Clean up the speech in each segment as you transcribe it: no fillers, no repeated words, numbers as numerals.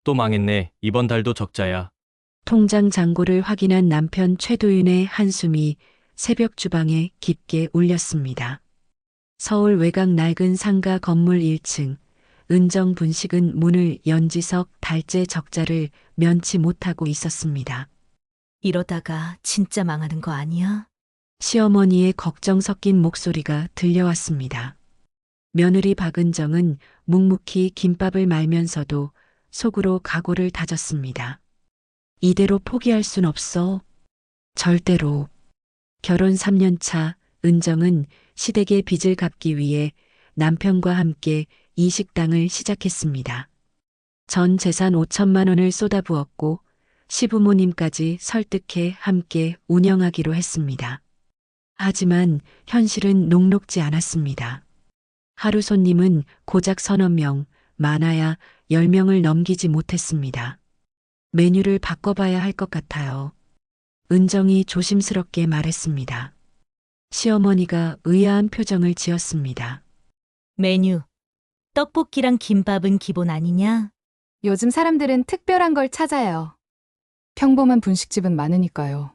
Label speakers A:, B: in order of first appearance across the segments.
A: 또 망했네. 이번 달도 적자야.
B: 통장 잔고를 확인한 남편 최도윤의 한숨이 새벽 주방에 깊게 울렸습니다. 서울 외곽 낡은 상가 건물 1층, 은정 분식은 문을 연 지석 달째 적자를 면치 못하고 있었습니다.
C: 이러다가 진짜 망하는 거 아니야?
B: 시어머니의 걱정 섞인 목소리가 들려왔습니다. 며느리 박은정은 묵묵히 김밥을 말면서도 속으로 각오를 다졌습니다. 이대로 포기할 순 없어. 절대로. 결혼 3년 차 은정은 시댁의 빚을 갚기 위해 남편과 함께 이 식당을 시작했습니다. 전 재산 5천만 원을 쏟아부었고 시부모님까지 설득해 함께 운영하기로 했습니다. 하지만 현실은 녹록지 않았습니다. 하루 손님은 고작 서너 명, 많아야 10명을 넘기지 못했습니다. 메뉴를 바꿔봐야 할 것 같아요. 은정이 조심스럽게 말했습니다. 시어머니가 의아한 표정을 지었습니다.
C: 메뉴. 떡볶이랑 김밥은 기본 아니냐?
D: 요즘 사람들은 특별한 걸 찾아요. 평범한 분식집은 많으니까요.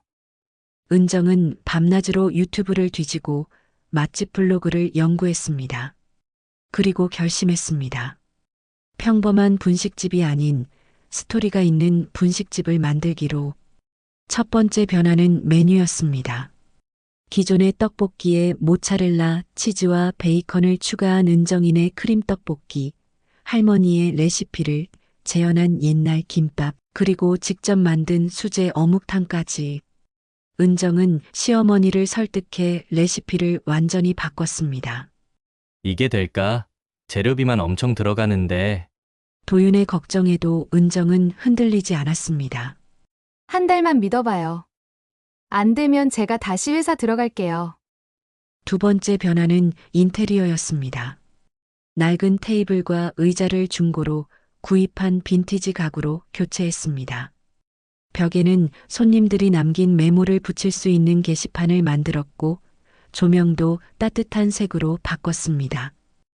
B: 은정은 밤낮으로 유튜브를 뒤지고 맛집 블로그를 연구했습니다. 그리고 결심했습니다. 평범한 분식집이 아닌 스토리가 있는 분식집을 만들기로. 첫 번째 변화는 메뉴였습니다. 기존의 떡볶이에 모차렐라, 치즈와 베이컨을 추가한 은정인의 크림 떡볶이, 할머니의 레시피를 재현한 옛날 김밥, 그리고 직접 만든 수제 어묵탕까지. 은정은 시어머니를 설득해 레시피를 완전히 바꿨습니다.
A: 이게 될까? 재료비만 엄청 들어가는데.
B: 도윤의 걱정에도 은정은 흔들리지 않았습니다.
D: 한 달만 믿어봐요. 안 되면 제가 다시 회사 들어갈게요.
B: 두 번째 변화는 인테리어였습니다. 낡은 테이블과 의자를 중고로 구입한 빈티지 가구로 교체했습니다. 벽에는 손님들이 남긴 메모를 붙일 수 있는 게시판을 만들었고 조명도 따뜻한 색으로 바꿨습니다.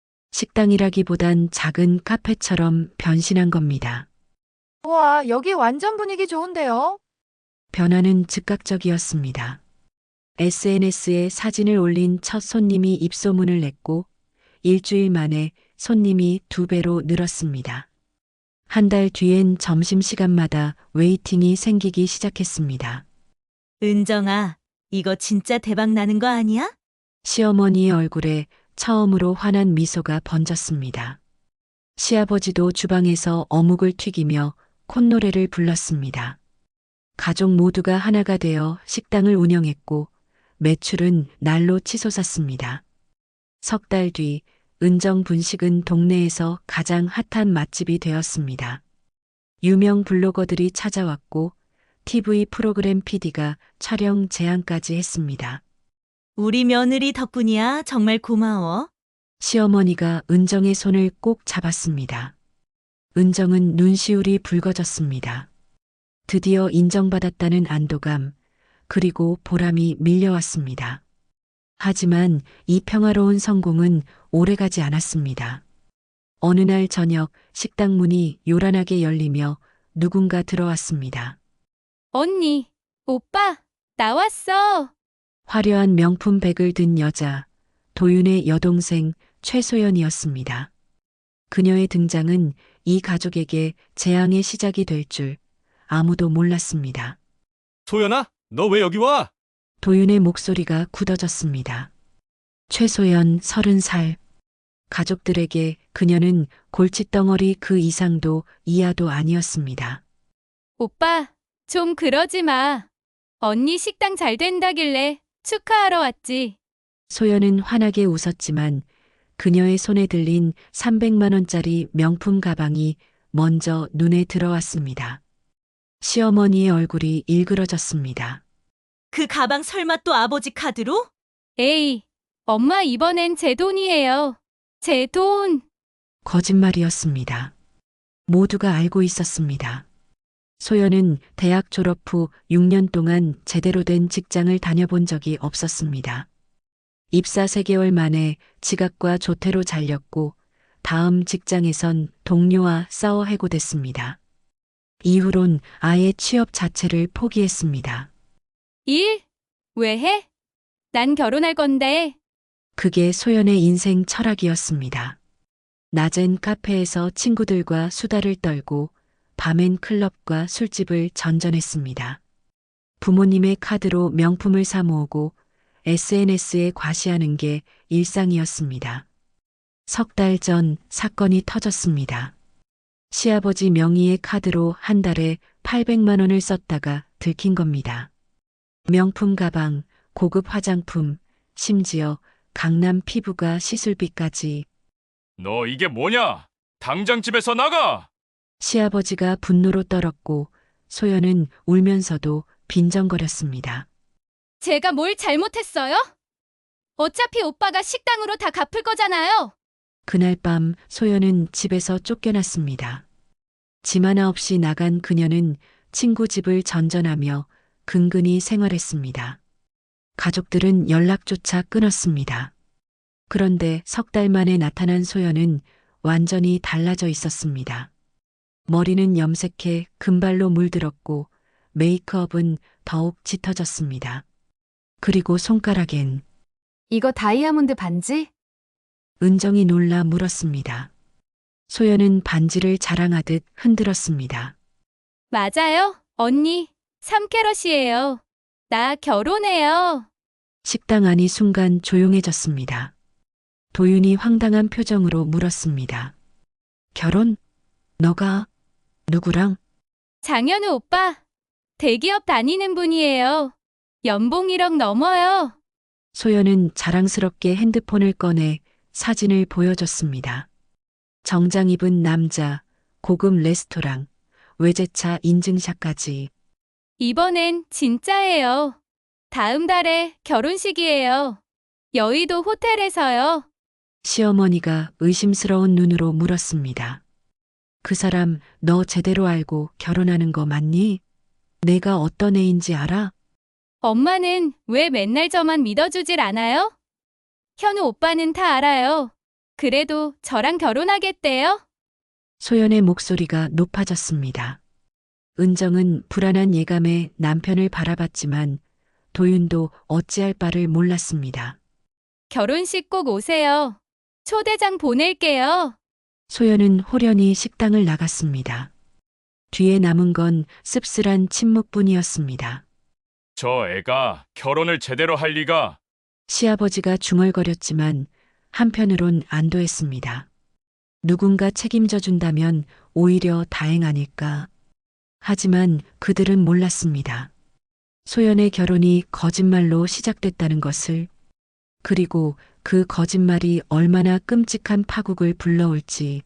B: 식당이라기보단 작은 카페처럼 변신한 겁니다.
E: 와, 여기 완전 분위기 좋은데요?
B: 변화는 즉각적이었습니다. SNS에 사진을 올린 첫 손님이 입소문을 냈고 일주일 만에 손님이 2배로 늘었습니다. 한 달 뒤엔 점심시간마다 웨이팅이 생기기 시작했습니다.
C: 은정아, 이거 진짜 대박 나는 거 아니야?
B: 시어머니의 얼굴에 처음으로 환한 미소가 번졌습니다. 시아버지도 주방에서 어묵을 튀기며 콧노래를 불렀습니다. 가족 모두가 하나가 되어 식당을 운영했고 매출은 날로 치솟았습니다. 석 달 뒤 은정 분식은 동네에서 가장 핫한 맛집이 되었습니다. 유명 블로거들이 찾아왔고 TV 프로그램 PD가 촬영 제안까지 했습니다.
C: 우리 며느리 덕분이야. 정말 고마워.
B: 시어머니가 은정의 손을 꼭 잡았습니다. 은정은 눈시울이 붉어졌습니다. 드디어 인정받았다는 안도감, 그리고 보람이 밀려왔습니다. 하지만 이 평화로운 성공은 오래가지 않았습니다. 어느 날 저녁 식당 문이 요란하게 열리며 누군가 들어왔습니다.
D: 언니, 오빠, 나왔어.
B: 화려한 명품 백을 든 여자, 도윤의 여동생 최소연이었습니다. 그녀의 등장은 이 가족에게 재앙의 시작이 될 줄 아무도 몰랐습니다.
A: 소연아, 너 왜 여기 와?
B: 도윤의 목소리가 굳어졌습니다. 최소연 30살. 가족들에게 그녀는 골칫덩어리 그 이상도 이하도 아니었습니다.
D: 오빠, 좀 그러지 마. 언니 식당 잘 된다길래 축하하러 왔지.
B: 소연은 환하게 웃었지만 그녀의 손에 들린 300만 원짜리 명품 가방이 먼저 눈에 들어왔습니다. 시어머니의 얼굴이 일그러졌습니다.
C: 그 가방 설마 또 아버지 카드로?
D: 에이, 엄마 이번엔 제 돈이에요. 제 돈.
B: 거짓말이었습니다. 모두가 알고 있었습니다. 소연은 대학 졸업 후 6년 동안 제대로 된 직장을 다녀본 적이 없었습니다. 입사 3개월 만에 지각과 조퇴로 잘렸고 다음 직장에선 동료와 싸워 해고됐습니다. 이후론 아예 취업 자체를 포기했습니다.
D: 일? 왜 해? 난 결혼할 건데.
B: 그게 소연의 인생 철학이었습니다. 낮엔 카페에서 친구들과 수다를 떨고 밤엔 클럽과 술집을 전전했습니다. 부모님의 카드로 명품을 사 모으고 SNS에 과시하는 게 일상이었습니다. 석 달 전 사건이 터졌습니다. 시아버지 명의의 카드로 한 달에 800만 원을 썼다가 들킨 겁니다. 명품 가방, 고급 화장품, 심지어 강남 피부과 시술비까지.
F: 너 이게 뭐냐? 당장 집에서 나가!
B: 시아버지가 분노로 떨었고 소연은 울면서도 빈정거렸습니다.
D: 제가 뭘 잘못했어요? 어차피 오빠가 식당으로 다 갚을 거잖아요.
B: 그날 밤 소연은 집에서 쫓겨났습니다. 짐 하나 없이 나간 그녀는 친구 집을 전전하며 근근히 생활했습니다. 가족들은 연락조차 끊었습니다. 그런데 석 달 만에 나타난 소연은 완전히 달라져 있었습니다. 머리는 염색해 금발로 물들었고 메이크업은 더욱 짙어졌습니다. 그리고 손가락엔
E: 이거 다이아몬드 반지?
B: 은정이 놀라 물었습니다. 소연은 반지를 자랑하듯 흔들었습니다.
D: 맞아요, 언니. 3캐럿이에요. 나 결혼해요.
B: 식당 안이 순간 조용해졌습니다. 도윤이 황당한 표정으로 물었습니다. 결혼? 너가 누구랑?
D: 장현우 오빠. 대기업 다니는 분이에요. 연봉 1억 넘어요.
B: 소연은 자랑스럽게 핸드폰을 꺼내 사진을 보여줬습니다. 정장 입은 남자, 고급 레스토랑, 외제차 인증샷까지.
D: 이번엔 진짜예요. 다음 달에 결혼식이에요. 여의도 호텔에서요.
B: 시어머니가 의심스러운 눈으로 물었습니다. 그 사람 너 제대로 알고 결혼하는 거 맞니? 내가 어떤 애인지 알아?
D: 엄마는 왜 맨날 저만 믿어주질 않아요? 현우 오빠는 다 알아요. 그래도 저랑 결혼하겠대요?
B: 소연의 목소리가 높아졌습니다. 은정은 불안한 예감에 남편을 바라봤지만 도윤도 어찌할 바를 몰랐습니다.
D: 결혼식 꼭 오세요. 초대장 보낼게요.
B: 소연은 호련히 식당을 나갔습니다. 뒤에 남은 건 씁쓸한 침묵뿐이었습니다.
F: 저 애가 결혼을 제대로 할 리가.
B: 시아버지가 중얼거렸지만 한편으론 안도했습니다. 누군가 책임져 준다면 오히려 다행 아닐까. 하지만 그들은 몰랐습니다. 소연의 결혼이 거짓말로 시작됐다는 것을, 그리고 그 거짓말이 얼마나 끔찍한 파국을 불러올지.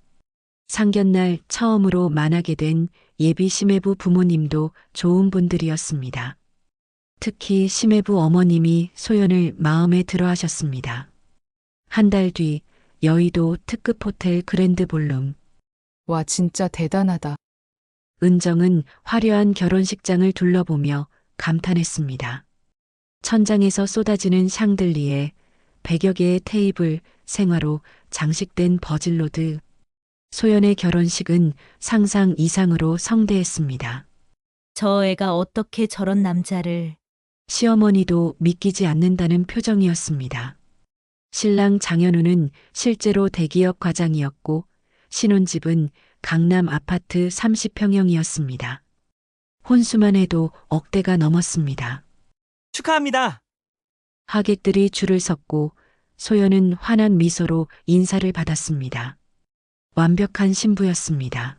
B: 상견날 처음으로 만나게 된 예비 심해부 부모님도 좋은 분들이었습니다. 특히 심해부 어머님이 소연을 마음에 들어 하셨습니다. 한 달 뒤 여의도 특급 호텔 그랜드 볼룸.
G: 와, 진짜 대단하다.
B: 은정은 화려한 결혼식장을 둘러보며 감탄했습니다. 천장에서 쏟아지는 샹들리에 100여 개의 테이블, 생화로 장식된 버질로드. 소연의 결혼식은 상상 이상으로 성대했습니다.
C: 저 애가 어떻게 저런 남자를.
B: 시어머니도 믿기지 않는다는 표정이었습니다. 신랑 장현우는 실제로 대기업 과장이었고 신혼집은 강남 아파트 30평형이었습니다. 혼수만 해도 억대가 넘었습니다.
H: 축하합니다.
B: 하객들이 줄을 섰고 소연은 환한 미소로 인사를 받았습니다. 완벽한 신부였습니다.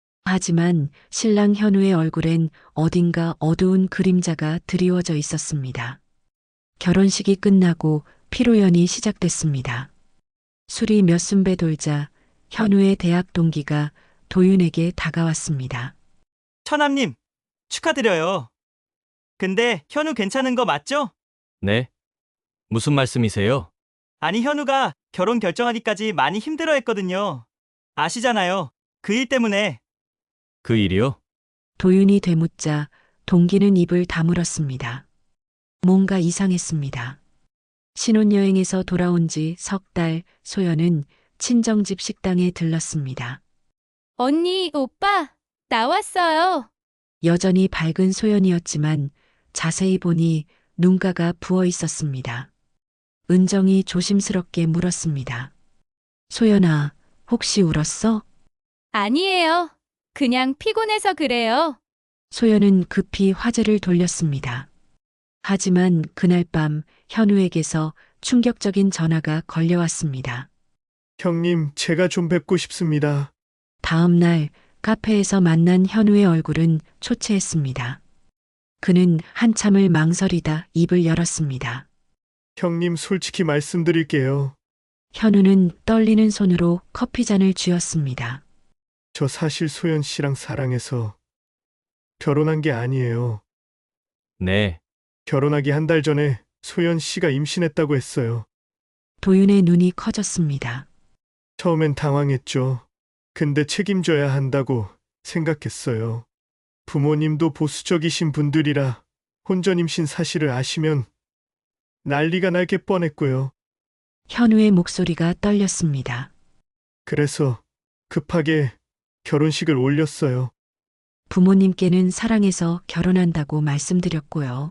B: 하지만 신랑 현우의 얼굴엔 어딘가 어두운 그림자가 드리워져 있었습니다. 결혼식이 끝나고 피로연이 시작됐습니다. 술이 몇 순배 돌자 현우의 대학 동기가 도윤에게 다가왔습니다.
H: 처남님, 축하드려요. 근데 현우 괜찮은 거 맞죠?
A: 네? 무슨 말씀이세요?
H: 아니, 현우가 결혼 결정하기까지 많이 힘들어 했거든요. 아시잖아요. 그 일 때문에.
A: 그 일이요?
B: 도윤이 되묻자 동기는 입을 다물었습니다. 뭔가 이상했습니다. 신혼여행에서 돌아온 지 석 달 소연은 친정집 식당에 들렀습니다.
D: 언니, 오빠. 나왔어요.
B: 여전히 밝은 소연이었지만 자세히 보니 눈가가 부어 있었습니다. 은정이 조심스럽게 물었습니다. 소연아, 혹시 울었어?
D: 아니에요. 그냥 피곤해서 그래요.
B: 소연은 급히 화제를 돌렸습니다. 하지만 그날 밤 현우에게서 충격적인 전화가 걸려왔습니다.
I: 형님, 제가 좀 뵙고 싶습니다.
B: 다음 날 카페에서 만난 현우의 얼굴은 초췌했습니다. 그는 한참을 망설이다 입을 열었습니다.
I: 형님, 솔직히 말씀드릴게요.
B: 현우는 떨리는 손으로 커피잔을 쥐었습니다.
I: 저 사실 소연 씨랑 사랑해서 결혼한 게 아니에요.
A: 네.
I: 결혼하기 한 달 전에 소연 씨가 임신했다고 했어요.
B: 도윤의 눈이 커졌습니다.
I: 처음엔 당황했죠. 근데 책임져야 한다고 생각했어요. 부모님도 보수적이신 분들이라 혼전 임신 사실을 아시면 난리가 날 게 뻔했고요.
B: 현우의 목소리가 떨렸습니다.
I: 그래서 급하게 결혼식을 올렸어요.
B: 부모님께는 사랑해서 결혼한다고 말씀드렸고요.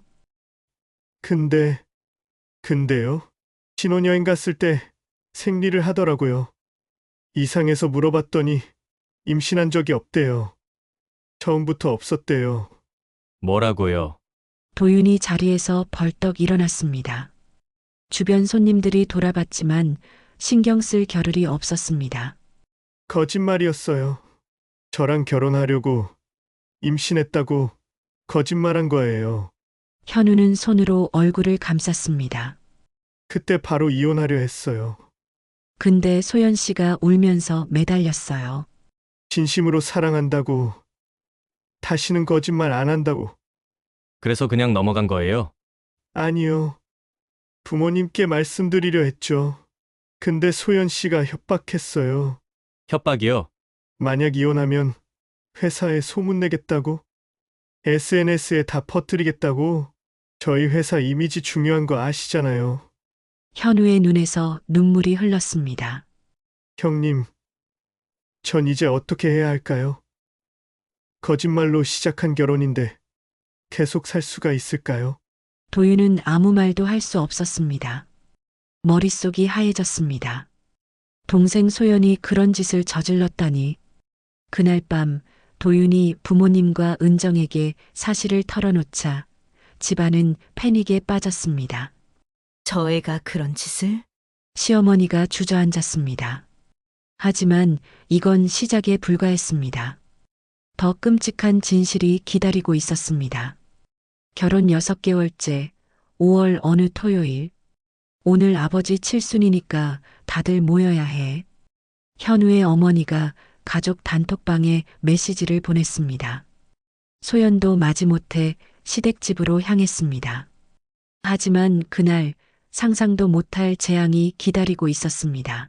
I: 근데요? 신혼여행 갔을 때 생리를 하더라고요. 이상해서 물어봤더니 임신한 적이 없대요. 처음부터 없었대요.
A: 뭐라고요?
B: 도윤이 자리에서 벌떡 일어났습니다. 주변 손님들이 돌아봤지만 신경 쓸 겨를이 없었습니다.
I: 거짓말이었어요. 저랑 결혼하려고 임신했다고 거짓말한 거예요.
B: 현우는 손으로 얼굴을 감쌌습니다.
I: 그때 바로 이혼하려 했어요.
B: 근데 소연 씨가 울면서 매달렸어요.
I: 진심으로 사랑한다고, 다시는 거짓말 안 한다고.
A: 그래서 그냥 넘어간 거예요?
I: 아니요. 부모님께 말씀드리려 했죠. 근데 소연 씨가 협박했어요.
A: 협박이요?
I: 만약 이혼하면 회사에 소문내겠다고? SNS에 다 퍼뜨리겠다고? 저희 회사 이미지 중요한 거 아시잖아요.
B: 현우의 눈에서 눈물이 흘렀습니다.
I: 형님, 전 이제 어떻게 해야 할까요? 거짓말로 시작한 결혼인데 계속 살 수가 있을까요?
B: 도윤은 아무 말도 할 수 없었습니다. 머릿속이 하얘졌습니다. 동생 소연이 그런 짓을 저질렀다니. 그날 밤 도윤이 부모님과 은정에게 사실을 털어놓자 집안은 패닉에 빠졌습니다.
C: 저 애가 그런 짓을?
B: 시어머니가 주저앉았습니다. 하지만 이건 시작에 불과했습니다. 더 끔찍한 진실이 기다리고 있었습니다. 결혼 6개월째 5월 어느 토요일. 오늘 아버지 칠순이니까 다들 모여야 해. 현우의 어머니가 가족 단톡방에 메시지를 보냈습니다. 소연도 마지못해 시댁집으로 향했습니다. 하지만 그날 상상도 못할 재앙이 기다리고 있었습니다.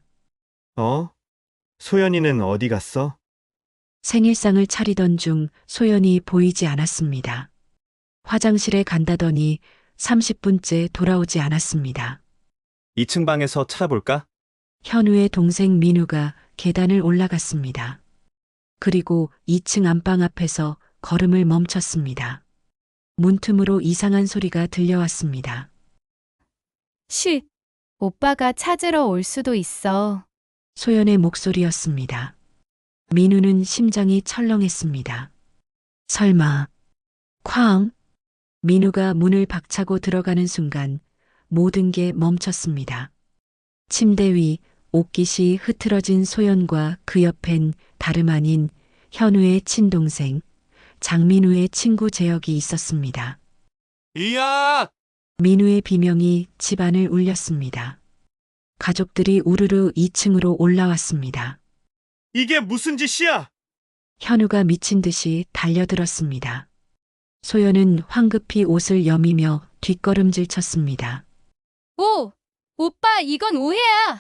I: 소연이는 어디 갔어?
B: 생일상을 차리던 중 소연이 보이지 않았습니다. 화장실에 간다더니 30분째 돌아오지 않았습니다.
J: 2층 방에서 찾아볼까?
B: 현우의 동생 민우가 계단을 올라갔습니다. 그리고 2층 안방 앞에서 걸음을 멈췄습니다. 문틈으로 이상한 소리가 들려왔습니다.
D: 오빠가 찾으러 올 수도 있어.
B: 소연의 목소리였습니다. 민우는 심장이 철렁했습니다. 설마, 쾅! 민우가 문을 박차고 들어가는 순간 모든 게 멈췄습니다. 침대 위 옷깃이 흐트러진 소연과 그 옆엔 다름 아닌 현우의 친동생, 장민우의 친구 재혁이 있었습니다.
J: 이야!
B: 민우의 비명이 집안을 울렸습니다. 가족들이 우르르 2층으로 올라왔습니다.
I: 이게 무슨 짓이야?
B: 현우가 미친 듯이 달려들었습니다. 소연은 황급히 옷을 여미며 뒷걸음질 쳤습니다.
D: 오빠, 이건 오해야.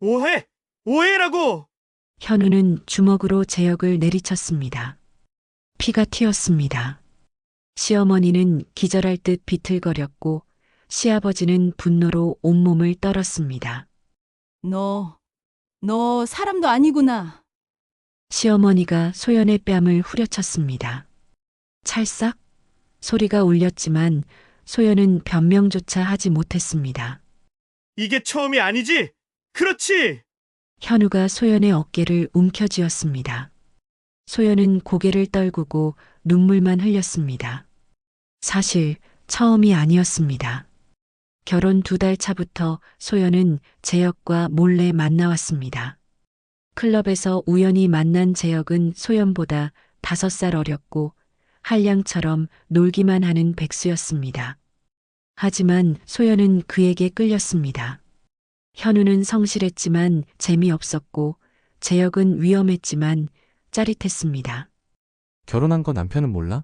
I: 오해라고!
B: 현우는 주먹으로 재혁을 내리쳤습니다. 피가 튀었습니다. 시어머니는 기절할 듯 비틀거렸고 시아버지는 분노로 온몸을 떨었습니다.
K: 너 사람도 아니구나.
B: 시어머니가 소연의 뺨을 후려쳤습니다. 찰싹 소리가 울렸지만 소연은 변명조차 하지 못했습니다.
I: 이게 처음이 아니지? 그렇지!
B: 현우가 소연의 어깨를 움켜쥐었습니다. 소연은 고개를 떨구고 눈물만 흘렸습니다. 사실 처음이 아니었습니다. 결혼 2달 차부터 소연은 재혁과 몰래 만나왔습니다. 클럽에서 우연히 만난 재혁은 소연보다 5살 어렸고 한량처럼 놀기만 하는 백수였습니다. 하지만 소연은 그에게 끌렸습니다. 현우는 성실했지만 재미없었고 재혁은 위험했지만 짜릿했습니다.
K: 결혼한 거 남편은 몰라?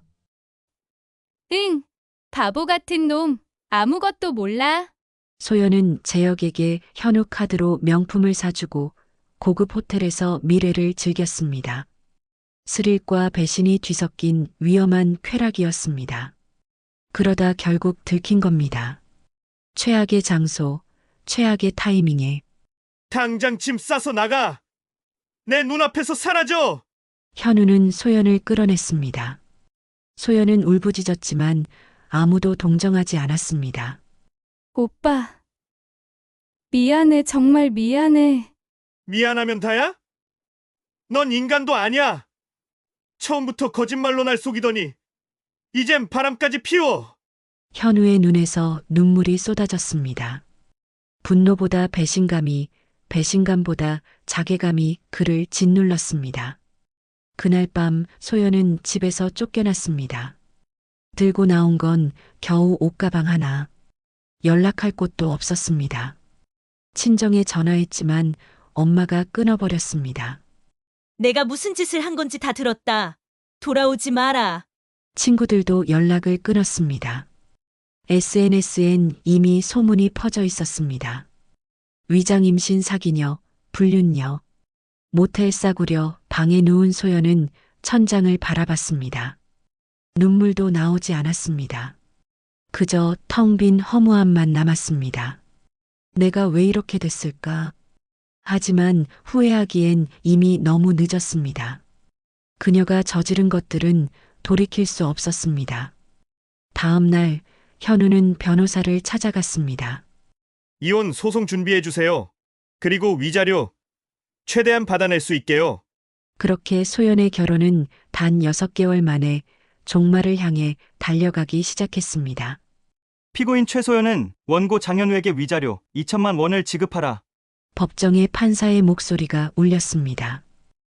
D: 응, 바보 같은 놈. 아무것도 몰라.
B: 소연은 재혁에게 현우 카드로 명품을 사주고 고급 호텔에서 미래를 즐겼습니다. 스릴과 배신이 뒤섞인 위험한 쾌락이었습니다. 그러다 결국 들킨 겁니다. 최악의 장소, 최악의 타이밍에
I: 당장 짐 싸서 나가! 내 눈앞에서 사라져!
B: 현우는 소연을 끌어냈습니다. 소연은 울부짖었지만 아무도 동정하지 않았습니다.
D: 오빠. 미안해, 정말 미안해.
I: 미안하면 다야? 넌 인간도 아니야! 처음부터 거짓말로 날 속이더니 이젠 바람까지 피워!
B: 현우의 눈에서 눈물이 쏟아졌습니다. 분노보다 배신감이, 배신감보다 자괴감이 그를 짓눌렀습니다. 그날 밤 소연은 집에서 쫓겨났습니다. 들고 나온 건 겨우 옷가방 하나. 연락할 곳도 없었습니다. 친정에 전화했지만 엄마가 끊어버렸습니다.
C: 내가 무슨 짓을 한 건지 다 들었다. 돌아오지 마라.
B: 친구들도 연락을 끊었습니다. SNS엔 이미 소문이 퍼져 있었습니다. 위장 임신 사기녀, 불륜녀. 모텔 싸구려 방에 누운 소연은 천장을 바라봤습니다. 눈물도 나오지 않았습니다. 그저 텅 빈 허무함만 남았습니다. 내가 왜 이렇게 됐을까? 하지만 후회하기엔 이미 너무 늦었습니다. 그녀가 저지른 것들은 돌이킬 수 없었습니다. 다음 날 현우는 변호사를 찾아갔습니다.
I: 이혼 소송 준비해 주세요. 그리고 위자료 최대한 받아낼 수 있게요.
B: 그렇게 소연의 결혼은 단 6개월 만에 종말을 향해 달려가기 시작했습니다.
H: 피고인 최소연은 원고 장현우에게 위자료 2천만 원을 지급하라.
B: 법정에 판사의 목소리가 울렸습니다.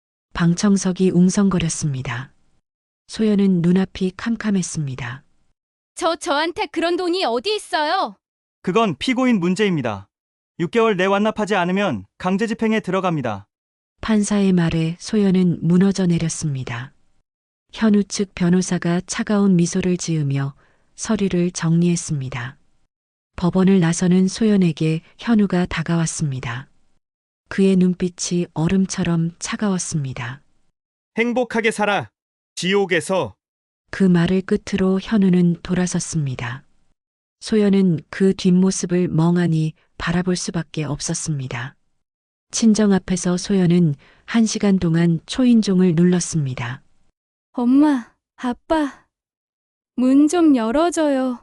B: 방청석이 웅성거렸습니다. 소연은 눈앞이 캄캄했습니다.
D: 저한테 그런 돈이 어디 있어요?
H: 그건 피고인 문제입니다. 6개월 내 완납하지 않으면 강제 집행에 들어갑니다.
B: 판사의 말에 소연은 무너져 내렸습니다. 현우 측 변호사가 차가운 미소를 지으며 서류를 정리했습니다. 법원을 나서는 소연에게 현우가 다가왔습니다. 그의 눈빛이 얼음처럼 차가웠습니다.
I: 행복하게 살아. 지옥에서.
B: 그 말을 끝으로 현우는 돌아섰습니다. 소연은 그 뒷모습을 멍하니 바라볼 수밖에 없었습니다. 친정 앞에서 소연은 1시간 동안 초인종을 눌렀습니다.
D: 엄마, 아빠. 문 좀 열어줘요.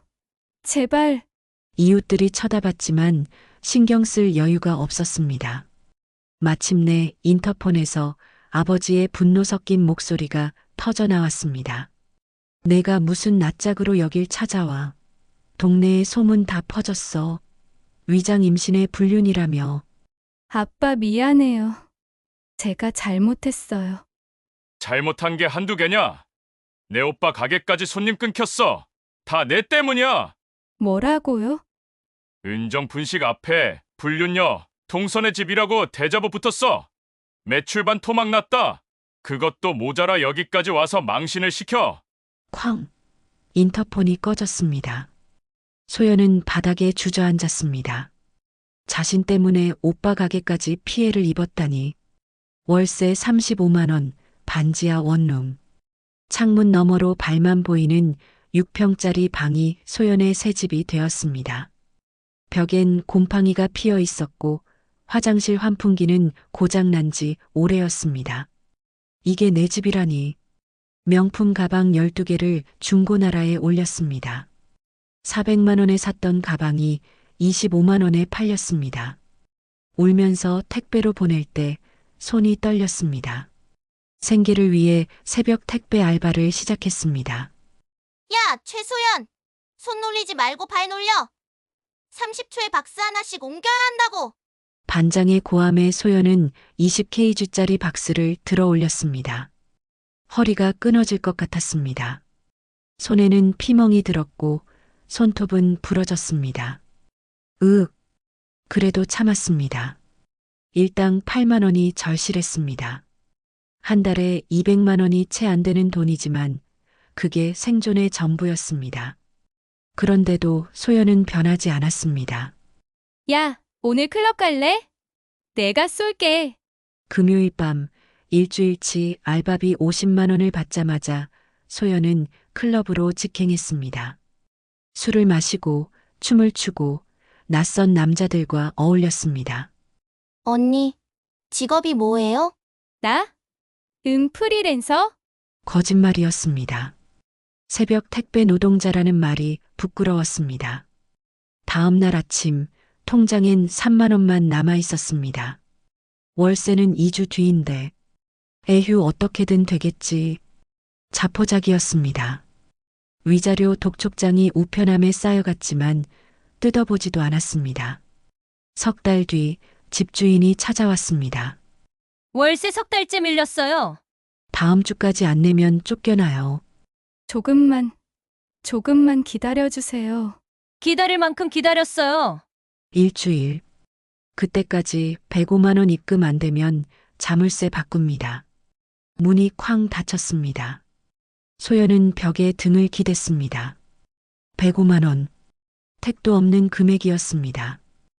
D: 제발.
B: 이웃들이 쳐다봤지만 신경 쓸 여유가 없었습니다. 마침내 인터폰에서 아버지의 분노 섞인 목소리가 터져 나왔습니다. 내가 무슨 낯짝으로 여길 찾아와. 동네에 소문 다 퍼졌어. 위장 임신의 불륜이라며.
D: 아빠 미안해요. 제가 잘못했어요.
F: 잘못한 게 한두 개냐? 내 오빠 가게까지 손님 끊겼어. 다 내 때문이야.
D: 뭐라고요?
F: 은정 분식 앞에 불륜녀 동선의 집이라고 대자보 붙었어. 매출반 토막 났다. 그것도 모자라 여기까지 와서 망신을 시켜.
B: 쾅! 인터폰이 꺼졌습니다. 소연은 바닥에 주저앉았습니다. 자신 때문에 오빠 가게까지 피해를 입었다니. 월세 35만 원, 반지하 원룸. 창문 너머로 발만 보이는 6평짜리 방이 소연의 새 집이 되었습니다. 벽엔 곰팡이가 피어 있었고 화장실 환풍기는 고장난 지 오래였습니다. 이게 내 집이라니. 명품 가방 12개를 중고나라에 올렸습니다. 400만 원에 샀던 가방이 25만 원에 팔렸습니다. 울면서 택배로 보낼 때 손이 떨렸습니다. 생계를 위해 새벽 택배 알바를 시작했습니다.
L: 야, 최소연! 손 놀리지 말고 발 놀려! 30초에 박스 하나씩 옮겨야 한다고!
B: 반장의 고함에 소연은 20kg짜리 박스를 들어 올렸습니다. 허리가 끊어질 것 같았습니다. 손에는 피멍이 들었고 손톱은 부러졌습니다. 그래도 참았습니다. 일당 8만 원이 절실했습니다. 한 달에 200만 원이 채 안 되는 돈이지만 그게 생존의 전부였습니다. 그런데도 소연은 변하지 않았습니다.
D: 야, 오늘 클럽 갈래? 내가 쏠게.
B: 금요일 밤 일주일치 알바비 50만 원을 받자마자 소연은 클럽으로 직행했습니다. 술을 마시고 춤을 추고 낯선 남자들과 어울렸습니다.
L: 언니, 직업이 뭐예요?
D: 나? 프리랜서?
B: 거짓말이었습니다. 새벽 택배 노동자라는 말이 부끄러웠습니다. 다음 날 아침 통장엔 3만 원만 남아 있었습니다. 월세는 2주 뒤인데 에휴 어떻게든 되겠지. 자포자기였습니다. 위자료 독촉장이 우편함에 쌓여갔지만 뜯어보지도 않았습니다. 석 달 뒤 집주인이 찾아왔습니다.
C: 월세 석 달째 밀렸어요.
B: 다음 주까지 안 내면 쫓겨나요.
D: 조금만 기다려주세요.
C: 기다릴 만큼 기다렸어요.
B: 일주일. 그때까지 105만 원 입금 안 되면 자물쇠 바꿉니다. 문이 쾅 닫혔습니다. 소연은 벽에 등을 기댔습니다. 105만 원. 택도 없는 금액이었습니다.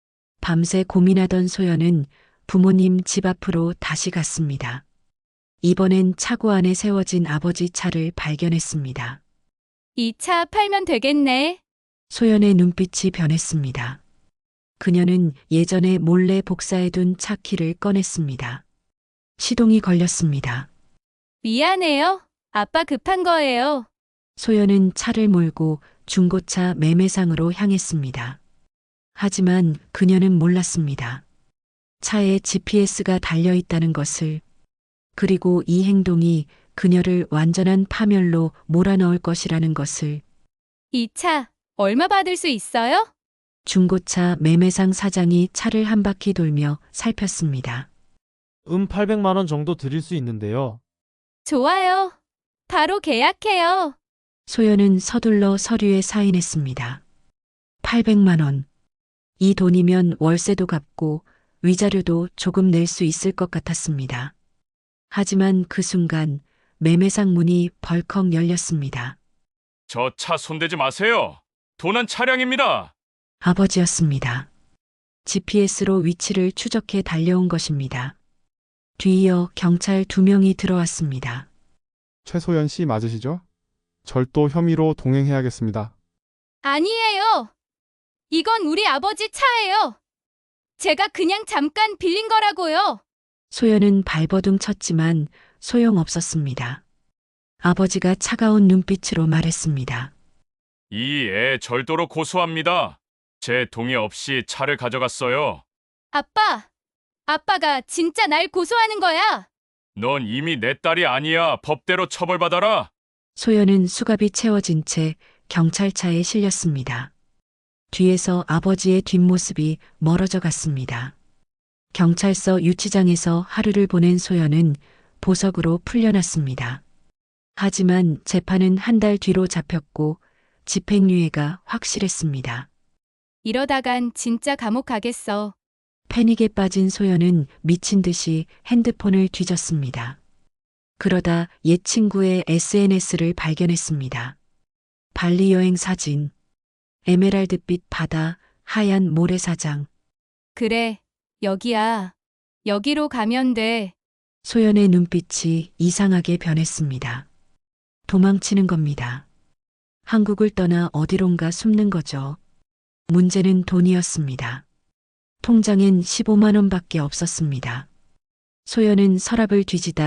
B: 밤새 고민하던 소연은 부모님 집 앞으로 다시 갔습니다. 이번엔 차고 안에 세워진 아버지 차를 발견했습니다.
D: 이 차 팔면 되겠네.
B: 소연의 눈빛이 변했습니다. 그녀는 예전에 몰래 복사해둔 차 키를 꺼냈습니다. 시동이 걸렸습니다.
D: 미안해요. 아빠 급한 거예요.
B: 소연은 차를 몰고 중고차 매매상으로 향했습니다. 하지만 그녀는 몰랐습니다. 차에 GPS가 달려있다는 것을, 그리고 이 행동이 그녀를 완전한 파멸로 몰아넣을 것이라는 것을.
D: 이 차 얼마 받을 수 있어요?
B: 중고차 매매상 사장이 차를 한 바퀴 돌며 살폈습니다.
M: 800만 원 정도 드릴 수 있는데요.
D: 좋아요. 바로 계약해요.
B: 소연은 서둘러 서류에 사인했습니다. 800만 원. 이 돈이면 월세도 갚고 위자료도 조금 낼 수 있을 것 같았습니다. 하지만 그 순간 매매상 문이 벌컥 열렸습니다.
F: 저 차 손대지 마세요. 도난 차량입니다.
B: 아버지였습니다. GPS로 위치를 추적해 달려온 것입니다. 뒤이어 경찰 2명이 들어왔습니다.
N: 최소연 씨 맞으시죠? 절도 혐의로 동행해야겠습니다.
D: 아니에요. 이건 우리 아버지 차예요. 제가 그냥 잠깐 빌린 거라고요.
B: 소연은 발버둥 쳤지만 소용없었습니다. 아버지가 차가운 눈빛으로 말했습니다.
F: 이 애 절도로 고소합니다. 제 동의 없이 차를 가져갔어요.
D: 아빠가 진짜 날 고소하는 거야.
F: 넌 이미 내 딸이 아니야. 법대로 처벌받아라.
B: 소연은 수갑이 채워진 채 경찰차에 실렸습니다. 뒤에서 아버지의 뒷모습이 멀어져 갔습니다. 경찰서 유치장에서 하루를 보낸 소연은 보석으로 풀려났습니다. 하지만 재판은 한 달 뒤로 잡혔고 집행유예가 확실했습니다.
D: 이러다간 진짜 감옥 가겠어.
B: 패닉에 빠진 소연은 미친 듯이 핸드폰을 뒤졌습니다. 그러다 옛 친구의 SNS를 발견했습니다. 발리 여행 사진, 에메랄드빛 바다, 하얀 모래사장.
D: 그래, 여기야. 여기로 가면 돼.
B: 소연의 눈빛이 이상하게 변했습니다. 도망치는 겁니다. 한국을 떠나 어디론가 숨는 거죠. 문제는 돈이었습니다. 통장엔 15만 원밖에 없었습니다. 소연은 서랍을 뒤지다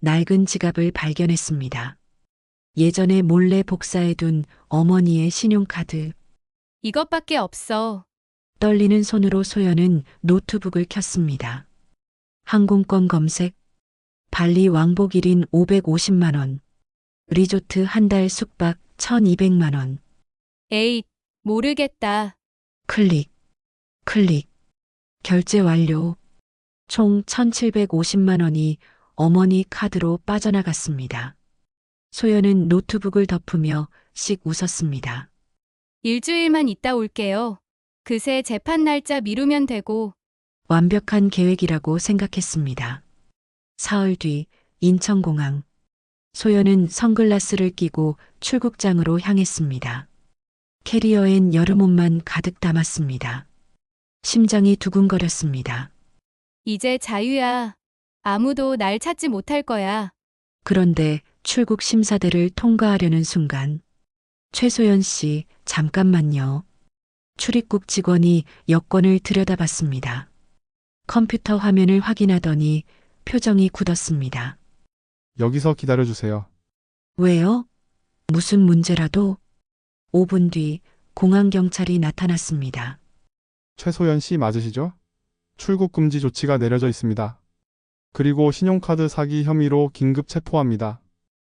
B: 낡은 지갑을 발견했습니다. 예전에 몰래 복사해둔 어머니의 신용카드.
D: 이것밖에 없어.
B: 떨리는 손으로 소연은 노트북을 켰습니다. 항공권 검색, 발리 왕복 1인 550만 원, 리조트 한 달 숙박 1200만 원.
D: 에잇, 모르겠다.
B: 클릭, 클릭, 결제 완료. 총 1750만 원이 어머니 카드로 빠져나갔습니다. 소연은 노트북을 덮으며 씩 웃었습니다.
D: 일주일만 있다 올게요. 그새 재판 날짜 미루면 되고.
B: 완벽한 계획이라고 생각했습니다. 사흘 뒤 인천공항. 소연은 선글라스를 끼고 출국장으로 향했습니다. 캐리어엔 여름옷만 가득 담았습니다. 심장이 두근거렸습니다.
D: 이제 자유야. 아무도 날 찾지 못할 거야.
B: 그런데 출국 심사대를 통과하려는 순간 최소연 씨, 잠깐만요. 출입국 직원이 여권을 들여다봤습니다. 컴퓨터 화면을 확인하더니 표정이 굳었습니다.
N: 여기서 기다려주세요.
B: 왜요? 무슨 문제라도? 5분 뒤 공항 경찰이 나타났습니다.
N: 최소연 씨 맞으시죠? 출국 금지 조치가 내려져 있습니다. 그리고 신용카드 사기 혐의로 긴급 체포합니다.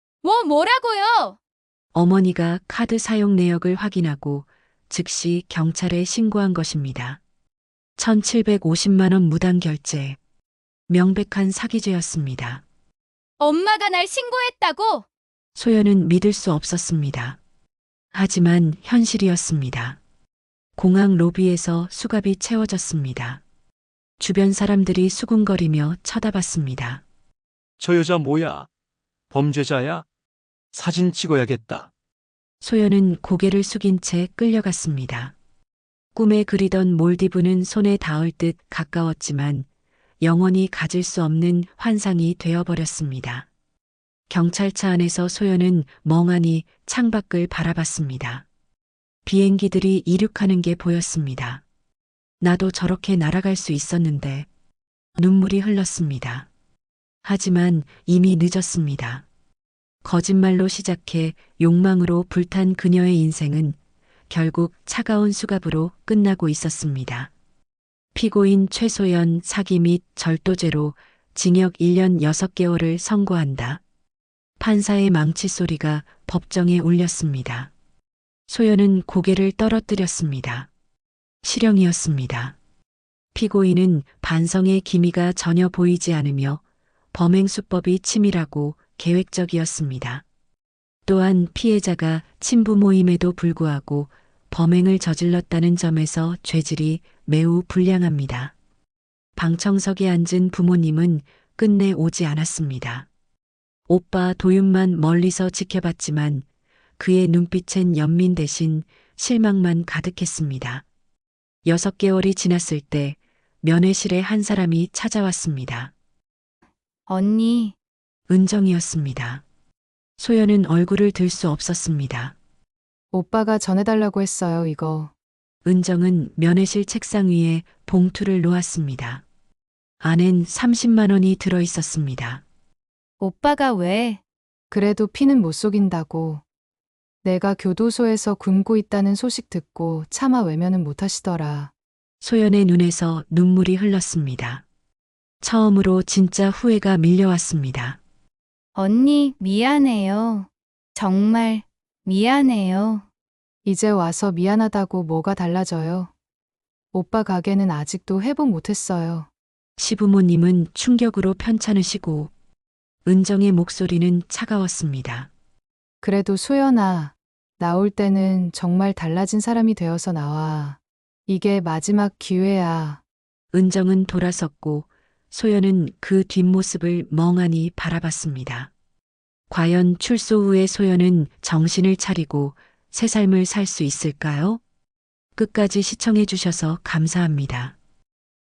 D: 뭐라고요?
B: 어머니가 카드 사용 내역을 확인하고 즉시 경찰에 신고한 것입니다. 1750만 원 무단 결제. 명백한 사기죄였습니다.
D: 엄마가 날 신고했다고?
B: 소연은 믿을 수 없었습니다. 하지만 현실이었습니다. 공항 로비에서 수갑이 채워졌습니다. 주변 사람들이 수군거리며 쳐다봤습니다.
O: 저 여자 뭐야? 범죄자야? 사진 찍어야겠다.
B: 소연은 고개를 숙인 채 끌려갔습니다. 꿈에 그리던 몰디브는 손에 닿을 듯 가까웠지만 영원히 가질 수 없는 환상이 되어버렸습니다. 경찰차 안에서 소연은 멍하니 창밖을 바라봤습니다. 비행기들이 이륙하는 게 보였습니다. 나도 저렇게 날아갈 수 있었는데. 눈물이 흘렀습니다. 하지만 이미 늦었습니다. 거짓말로 시작해 욕망으로 불탄 그녀의 인생은 결국 차가운 수갑으로 끝나고 있었습니다. 피고인 최소연 사기 및 절도죄로 징역 1년 6개월을 선고한다. 판사의 망치 소리가 법정에 울렸습니다. 소연은 고개를 떨어뜨렸습니다. 실형이었습니다. 피고인은 반성의 기미가 전혀 보이지 않으며 범행 수법이 치밀하고 계획적이었습니다. 또한 피해자가 친부모임에도 불구하고 범행을 저질렀다는 점에서 죄질이 매우 불량합니다. 방청석에 앉은 부모님은 끝내 오지 않았습니다. 오빠 도윤만 멀리서 지켜봤지만 그의 눈빛엔 연민 대신 실망만 가득했습니다. 6개월이 지났을 때 면회실에 한 사람이 찾아왔습니다.
D: 언니.
B: 은정이었습니다. 소연은 얼굴을 들 수 없었습니다.
G: 오빠가 전해달라고 했어요, 이거.
B: 은정은 면회실 책상 위에 봉투를 놓았습니다. 안엔 30만 원이 들어 있었습니다.
D: 오빠가 왜?
G: 그래도 피는 못 속인다고. 내가 교도소에서 굶고 있다는 소식 듣고 차마 외면은 못 하시더라.
B: 소연의 눈에서 눈물이 흘렀습니다. 처음으로 진짜 후회가 밀려왔습니다.
D: 언니, 미안해요. 정말 미안해요.
G: 이제 와서 미안하다고 뭐가 달라져요? 오빠 가게는 아직도 회복 못했어요.
B: 시부모님은 충격으로 편찮으시고 은정의 목소리는 차가웠습니다.
G: 그래도 소연아, 나올 때는 정말 달라진 사람이 되어서 나와. 이게 마지막 기회야.
B: 은정은 돌아섰고 소연은 그 뒷모습을 멍하니 바라봤습니다. 과연 출소 후의 소연은 정신을 차리고 새 삶을 살 수 있을까요? 끝까지 시청해 주셔서 감사합니다.